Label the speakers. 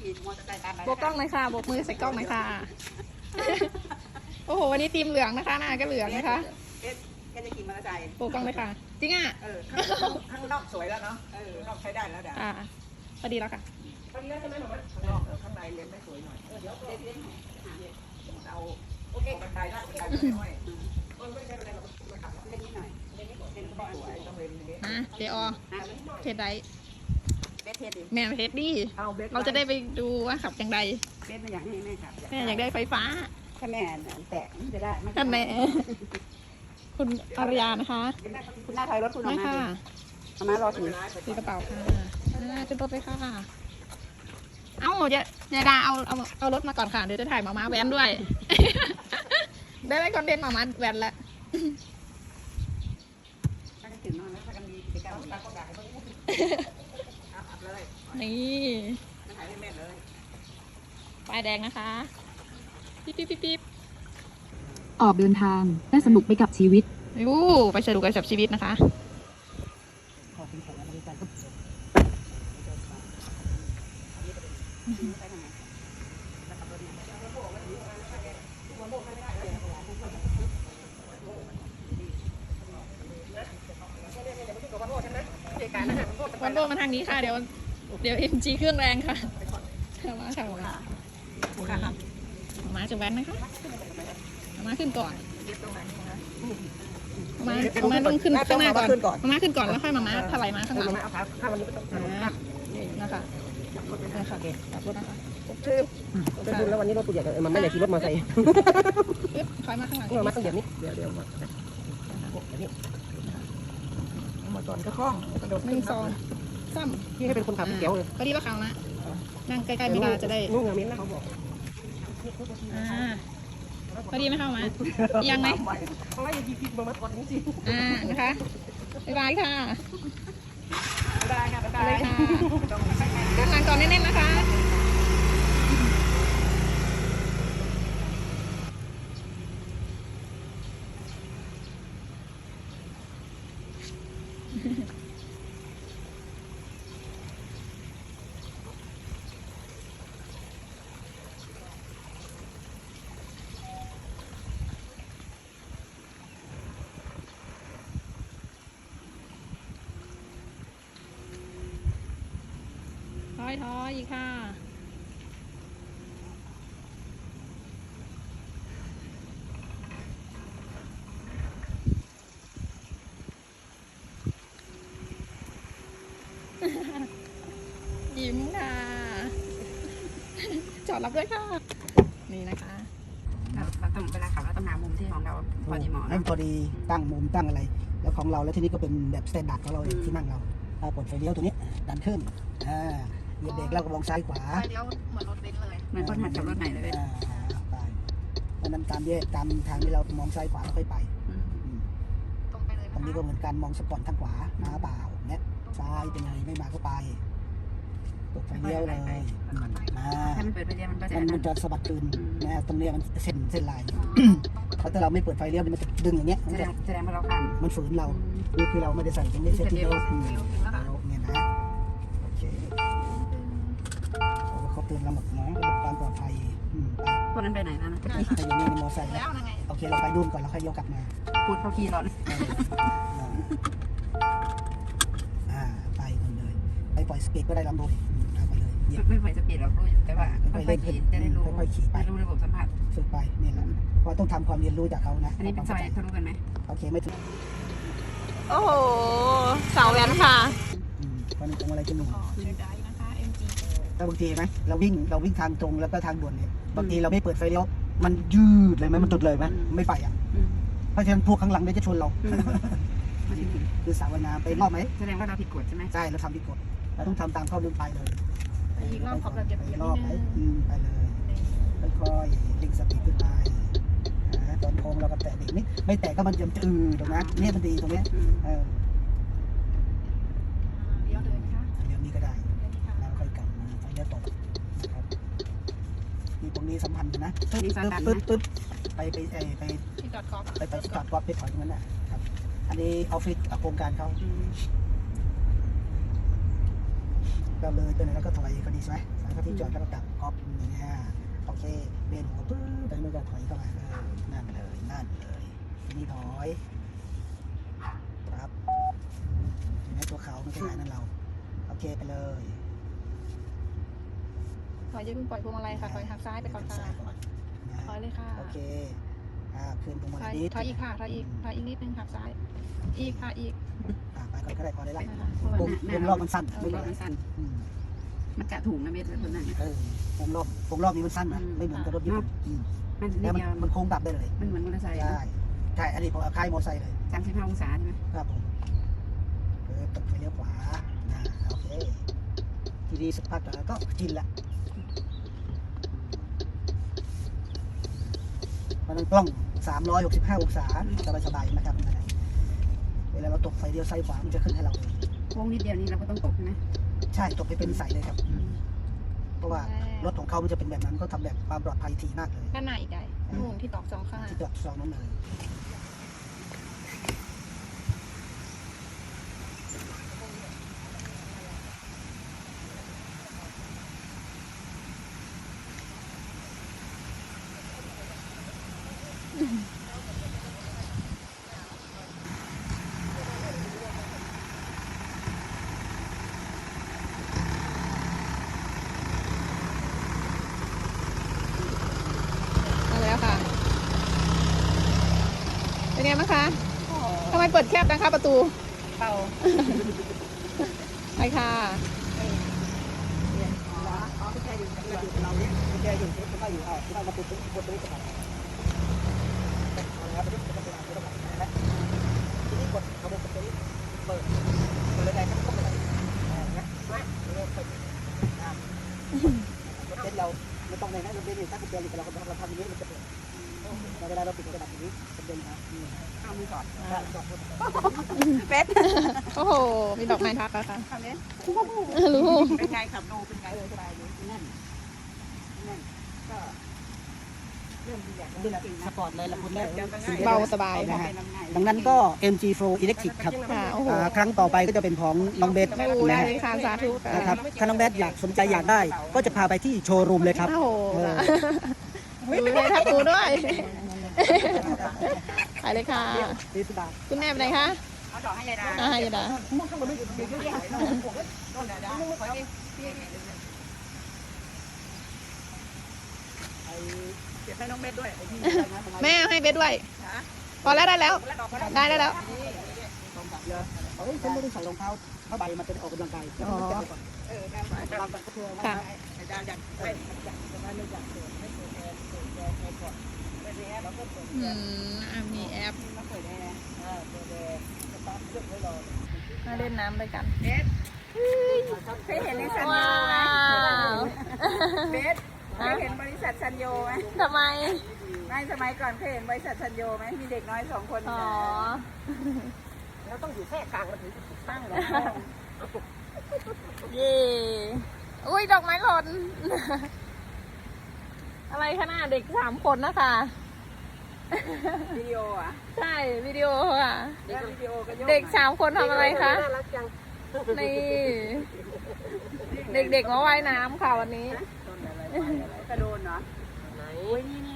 Speaker 1: ขี่มอเตอร์ไซค์ตามไป
Speaker 2: โบกกล้องหน่อยค่ะโบกมือใส่กล้องหน่อยค่ะ โอ้โหวันนี้ทีมเหลืองนะคะหน้าก็เหลืองนะคะ
Speaker 1: แค่จะขี่มอเตอร์ไซค์
Speaker 2: โบกกล้องเลยค่ะจริงอ่ะ
Speaker 1: ข้างนอกสวยแล้วเนาะข้างนอกใช้ได้แล้วเดี๋ยว
Speaker 2: พอดีแล้วค่ะ
Speaker 1: ข้างนี้ใช่ไหมหนูข้างนอกข้างในเรียนไม่สวยหน่อยเดี๋ยวเรียนเอาโอเคบันไดละบันไดไม่ไม่ไม่ใช่บันไดเราขับเล่นนิดหน่อยเล่นนิดเล่นก็สวยต้องเล่นนี้
Speaker 2: เจอเทสได
Speaker 1: เบสเทสดิ
Speaker 2: แม่เทสดิเราจะได้ไปดูว่าขับอย่างไร
Speaker 1: เบสไม่อยากให้แม่ขับ
Speaker 2: แม่อยากได้ไฟฟ้า
Speaker 1: ถ้าแม่แตะจะได้
Speaker 2: ท่านแม่คุณอารยานะคะ
Speaker 1: คุณหน้าถอยรถคุณออก
Speaker 2: ไม่
Speaker 1: มา
Speaker 2: ค่ะ
Speaker 1: เอามารอถือ
Speaker 2: ถือกระเป๋าค่ะขึ้นรถเลยค่ะเอ้าเดี๋ยวดาเอารถมาก่อนค่ะเดี๋ยวจะถ่ายหมาม้าแว้นด้วย ได้คอนเทนต์หมาม้าแว้นแล้ว
Speaker 1: ถ้าถึงนอนแล้วถ้ากันมีกิจกรรมตาก็ด่าให้เขาอัพเลย
Speaker 2: นี่
Speaker 1: มาถ่ายให้แม่เลย
Speaker 2: ป้ายแดงนะคะปิ๊บ
Speaker 3: ออกเดินทางและสนุกไปกับชีวิต
Speaker 2: ยูไปสนุกกับชีวิตนะคะวันโบมาทางนี้ค่ะเดี๋ยวเอ็มจีเครื่องแรงค่ะมาค่ะมาจะแว้นนะคะมาขึ้นก่อนมาต้องขึ้นข้างหน้าก่อนมาขึ้นก่อนแล้วค่อยมาถลายมาข้างหลังนะคะขับรถนะคะ
Speaker 1: จะดูแล้ววันนี้รถตัวใหญ่มันไม่ได้ขี่รถมาใส่
Speaker 2: ถอยมาข้างหลัง
Speaker 1: มาต้องเดี๋ยวนี้เดี๋ยวมานี้มาก่อนก็คล่องกระโดด
Speaker 2: 1 2 3
Speaker 1: พี่ให้เป็นคนขับเกี่ยวเลย
Speaker 2: พอดีว่าเขานะนั่งใกล้ๆเวลาจะได้
Speaker 1: นุ่งอย่างนี้นะเขาบอก
Speaker 2: พอดีไม่เข้ามายังไหม
Speaker 1: เขาไล่ยิงมาก่อนจริง
Speaker 2: นะคะบ๊ายบายค่ะ
Speaker 1: ได้ค่ะได้
Speaker 2: เลยค่ะด้านหลังก่อนแน่นๆนะคะถอยอีกค่ะยิ้มค่ะจอดรับด้วยค่ะนี่นะคะ
Speaker 1: เราต้องเวลาขับเราต้องหามุมที่ของเราพอดีเหมาะ
Speaker 4: ให้มันพอดีตั้งมุมตั้งอะไร แล้วของเราแล้วที่นี่ก็เป็นแบบสแตนดาร์ดของเราเองที่นั่งเราปลดไฟเลี้ยวตัวนี้ดันขึ้นเหยียบเบรกแล้วก็มองซ้ายขวา
Speaker 2: ไปเลี้ยวเหมือนรถเบนซ์เลย
Speaker 1: เหมือนคนหัดขับรถใหม่เลย
Speaker 4: ไปเพราะนั้นตามแยกตามทางที่เรามองซ้ายขวาแล้วค่อยไป
Speaker 2: ตรงไปเลย
Speaker 4: ตรงนี้ก็เหมือนกันมองสปอร์ตทางขวามาเปล่าเนี่ยซ้ายเป็นไงไม่มาก็ไปปลดไฟเลี้ยวเลยมา
Speaker 1: ถ้ามันเปิดไปเรียนมันก็จะ
Speaker 4: มันจะสะบัดคืนนะตรงนี้มันเส้นลายเพราะถ้าเราไม่เปิดไฟเลี้ยวมันจะดึงอย่างเงี้ย
Speaker 1: แสดงว่าเราข้าม
Speaker 4: มันฝืนเรานี่คือเราไม่ได้ใส่ตรงนี้เซตที่เราเนี่ยนะโอเคเขาเตือนเราหมดนะระบบความปลอดภัยไป
Speaker 1: พวกนั้นไปไหนนะ
Speaker 4: แต่อย่างนี้ในมอไซค์
Speaker 2: แล้วยังไง
Speaker 4: โอเคเราไปดุนก่อนเราค่อยยกกลับมา
Speaker 1: พูดเขาขี่รถ
Speaker 4: ไปกันเลยไปปล่อยสปีดก็ได้ลำโพงไปเลยเหยียบ
Speaker 1: ไม่ไหวสปีดเรารู้แต่ว่าค่อยๆขี่จะได้รู้ได้รู้ระบบสัมผัส
Speaker 4: ฝึกไปนี่แหละเพราะต้องทำความเรียนรู้จากเขานะ
Speaker 1: อันนี้เป็นซอยทะลุกันไหม
Speaker 4: โอเคไม่ถึง
Speaker 2: โอ้โหสาวแว้นค่ะ
Speaker 4: มันตรงอะไรจะหนุ่ม
Speaker 2: เสียดายนะคะ MG
Speaker 4: แล้วบางทีไหมเราวิ่งทางตรงแล้วก็ทางด่วนเนี่ยบางทีเราไม่เปิดไฟเลี้ยวมันยืดเลยไหมมันตุดเลยไหมไม่ไปอ่ะเพราะฉะนั้นพวกข้างหลังเนี่ยจะชนเราคือสาวนาไปรอบไหม
Speaker 1: แสดงว่าเราผิดกฎใช่ไหม
Speaker 4: ใช่เราทำผิดกฎเราต้องทำตามข้อมูลไปเลย
Speaker 2: อีกรอบขอบระเบียบนิด
Speaker 4: รอบ
Speaker 2: นึ
Speaker 4: ไหม
Speaker 2: ง
Speaker 4: ไปเลยค่อยๆเร่งสปีดขึ้นไปตอนโค้งเราก็แตะเบรกนิดไม่แตะก็มันจะตรงนั้นเนี่ยมันดีตรงนี้
Speaker 2: เลี้ยวเลยค่ะ
Speaker 4: เดี๋ยวนี้ก็ได้แล้วค่อยกลับมาไฟเลี้ยวตกนะครับนี่ตรงนี้สัมพันธ์กันนะปึ๊บไป
Speaker 2: ที่จอดกอล์ฟ
Speaker 4: ไปจอดกอล์ฟไปถอยตรงนั้นนะครับอันนี้ออฟฟิศโครงการเขาเราเลยไปไหนแล้วก็ถอยก็ดีใช่ไหมถ้าที่จอดก็ระดับก๊อปอย่างเงี้ยโอเคเบนหัวปึ๊บไปมันก็ถอยเข้ามานั่นเลยทีนี้ถอยครับเห็นไหมตัวเขาไม่ใช่หานั่นเราโอเคไปเลย
Speaker 2: ถอยอย่าเพิ่งปล่อยพวงมาลัยค่ะถอยหักซ้ายไปก่อนค่ะ
Speaker 4: ซ้ายก่อนนะ
Speaker 2: ถอยเลยค่ะ
Speaker 4: โอเคคืนพวงมา
Speaker 2: ถ
Speaker 4: ลั
Speaker 2: อย
Speaker 4: ยนิด
Speaker 2: ถอยอีกค่ะถอยอีกนิดนึงหักซ้ายอีกค่ะอีก
Speaker 4: ไปก่อนก็ได้พอได้ละ
Speaker 2: นะคะ
Speaker 4: วงรอบมันสั้น
Speaker 1: วงรอบมันสั้น มันกะถุงนะเม็ดตัวนั้น
Speaker 4: วงรอบนี้มันสั้นนะไม่เหมือนกับรถญี่ปุ่น
Speaker 1: มันนิ
Speaker 4: แล้
Speaker 1: ด
Speaker 4: ว
Speaker 1: เดียว
Speaker 4: มันโค้งกลับได้เลย
Speaker 1: มันเหมือนมอเตอร์ไซค์
Speaker 4: ใช่อันนี้ผมเอาค่ายมอเตอร์ไซค์เลย
Speaker 1: 35 องศาใช่ไหม
Speaker 4: ครับผมตกไปเลี้ยวขวาโอเคทีนี้สักพักก็ชินละมันกล้อง365 องศาสบายๆนะครับเวลาเราตกไฟเลี้ยวซ้ายขวามันจะขึ้นให้เราเลย
Speaker 1: โค้งนิดเดียวนี้เราก็ต้องตกใช่ไหม
Speaker 4: ใช่ตกไปเป็นสายเลยครับ เพราะว่ารถของเขามันจะเป็นแบบนั้นก็ทำแบบความปลอดภัยถี่มากเลย
Speaker 2: ด้านหน้าอีกใหญ่มุมที่ตอกสองข้างหน้า
Speaker 4: ที่จอดซองนั้นเลย
Speaker 2: มาแล้วค่ะเป็นไงบ้างคะทำไมเปิดแคบนะคะประตู
Speaker 1: เป่า
Speaker 2: ไปค่ะ
Speaker 4: ไม่ใช่อยู่เราเนี่ยไม่ใช่อยู่ที่เราอยู่ที่เรามาปุ๊บกดตรงนี้ก่อนแล้วไปที่กดตรงนี้ก่อนนะทีนี้กดเอามือกดตรงนี้เปิดเลยได้ครับก็ไม่ได้นะรถเต้นเราไม่ต้องเลยนะรถเต้นถ้าเกิดเราทำอย่างนี้มันจะเปิดเวลาเราปิดกระดาษอย่างนี้จะเดินครับเอามือก่อนเป็ด
Speaker 2: โอ้โหมีดอกไม้ทักแล้วค่ะ
Speaker 1: ทำนี้
Speaker 2: รู้
Speaker 1: เป็นไงขับดูเป็นไงสบายดีนั่นก็เริ่มดีอย่าง
Speaker 4: นี่แหละสปอร์ตเลยละคุณแม่
Speaker 2: เบาสบาย
Speaker 4: นะฮะดังนั้นก็ MG4 Electric ครับ
Speaker 2: ค่ะโอ้โห
Speaker 4: ครั้งต่อไปก็จะเป็นของน้องเบส
Speaker 2: ไม่รู้ได้
Speaker 4: นะ
Speaker 2: เลยค่ะสาธุค่ะ
Speaker 4: นะครับถ้าน้องเบสสนใจอยากได้ ก็จะพาไปที่โชว์รูมเลยครับ
Speaker 2: โอ้โหดูเลยทักตูด้วยไปเลยค่ะ
Speaker 4: ดีสุดา
Speaker 2: คุณแม่เป็นไงคะ
Speaker 1: เอาดอกให้ยายดา
Speaker 2: ยายดา
Speaker 1: ต้นดาดาขอพี่เก็บให้น้องเม็ดด้วย
Speaker 2: แม่ให้เบสด้วย พอแล้วได้แล้ว ได้แล้ว
Speaker 4: เฮ้ยฉันไม่ได้ใส่รองเท้าผ้าใบมันเป็นออกกำลังกาย
Speaker 2: อ๋อ ค่ะ มีแอปมาเล่นน้ำด้วยกัน
Speaker 1: เคยเห็นในซันโย
Speaker 2: ว้า
Speaker 1: ไหม
Speaker 2: ว
Speaker 1: เบสเคยเห็นบริษัทซันโยไหม
Speaker 2: ทำไม
Speaker 1: ไม่สมัยก่อนเคยเห็นบริษัทซันโยไหมมีเด็กน้อย2 คน
Speaker 2: อ๋อ
Speaker 1: เราต้องอยู่แค่กลางมันถึงจะตั้งเลย
Speaker 2: เย่อุ้ยดอกไม้หล่น อะไรขนาดเด็ก3 คนนะคะ
Speaker 1: วิดีโออ่ะ
Speaker 2: ใช่วิดีโอค่ะ
Speaker 1: แล้ววิดีโอก็โยก
Speaker 2: เด็ก3 คนทำอะไรคะนี่เด็กๆมาว่ายน้ำค่ะวันนี้
Speaker 1: กระโดนเนาะ
Speaker 2: โอ้ยนี่